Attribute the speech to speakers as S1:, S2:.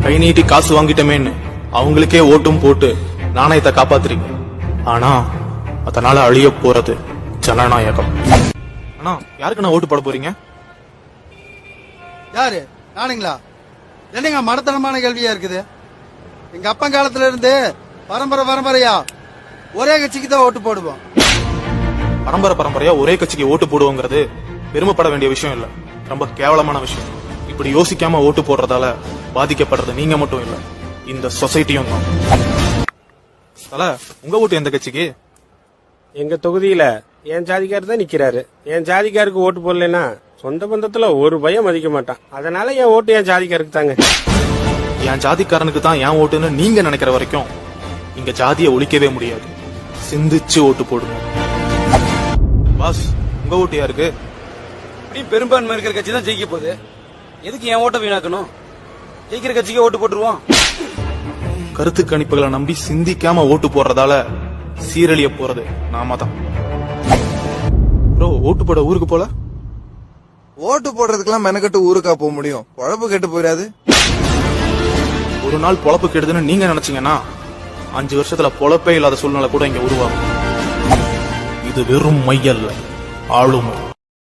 S1: கை நீட்டி காசு வாங்கிட்டமேன்னு அவங்களுக்கே ஓட்டும் போட்டு நாணயத்தை காப்பாத்துறீங்க. ஆனா அதனால அழிய போறது ஜனநாயகம். ஆனா யாருக்கு நான் ஓட்டு போட போறீங்க?
S2: யாரு? நானுங்களா? என்னங்க மடத்தனமான கேள்வியா இருக்குது. எங்க அப்பா காலத்துல இருந்து பரம்பரையா ஒரே கட்சிக்கு தான் ஓட்டு போடுவோம்.
S1: பரம்பரையா ஒரே கட்சிக்கு ஓட்டு போடுவோங்கிறது பெருமைப்பட வேண்டிய விஷயம் இல்ல, ரொம்ப கேவலமான விஷயம். இப்படி யோசிக்காம ஓட்டு போடுறதால பாதிக்கப்படுறது நீங்க மட்டும் இல்ல, இந்த சொசைட்டியும் தான். உங்க ஓட்டு எந்த கட்சிக்கு?
S3: எங்க தொகுதியில என் ஜாதிக்காரர் தான் நிக்கிறாரு. என் ஜாதிக்காருக்கு ஓட்டு போடலன்னா சொந்த பந்தத்துல ஒரு பயம் மதிக்க மாட்டான். அதனால என் ஓட்டு என் ஜாதிக்காருக்கு தாங்க.
S1: என் ஜாதிக்காரனுக்கு தான் என் ஓட்டுன்னு நீங்க நினைக்கிற வரைக்கும் இங்க ஜாதியை ஒழிக்கவே முடியாது. சிந்திச்சு ஓட்டு போடுங்க. பாஸ், உங்க ஓட்டு யாருக்கு?
S4: இப்படி பெரும்பான்மை இருக்கிற கட்சி தான் ஜெயிக்க போகுது. எதுக்கு என் ஓட்ட வீணாக்கணும்? ஜெயிக்கிற கட்சிக்கு ஓட்டு போட்டுருவோம்.
S1: கருத்து கணிப்புகளை நம்பி சிந்திக்காம ஓட்டு போடுறதால சீரழிய போறது நாம தான். ப்ரோ, ஓட்டு போட ஊருக்கு போல?
S5: ஓட்டு போடுறதுக்கெல்லாம் மெனக்கட்டு ஊருக்கா போக முடியும்? பொழப்பு கெட்டு போயிடாது.
S1: ஒரு நாள் பொழப்பு கெடுதுன்னு நீங்க நினைச்சீங்கன்னா 5 வருஷத்துல பொழப்பே இல்லாத சூழ்நிலை கூட இங்க உருவாகும். இது வெறும் மையல்ல, ஆளுமை.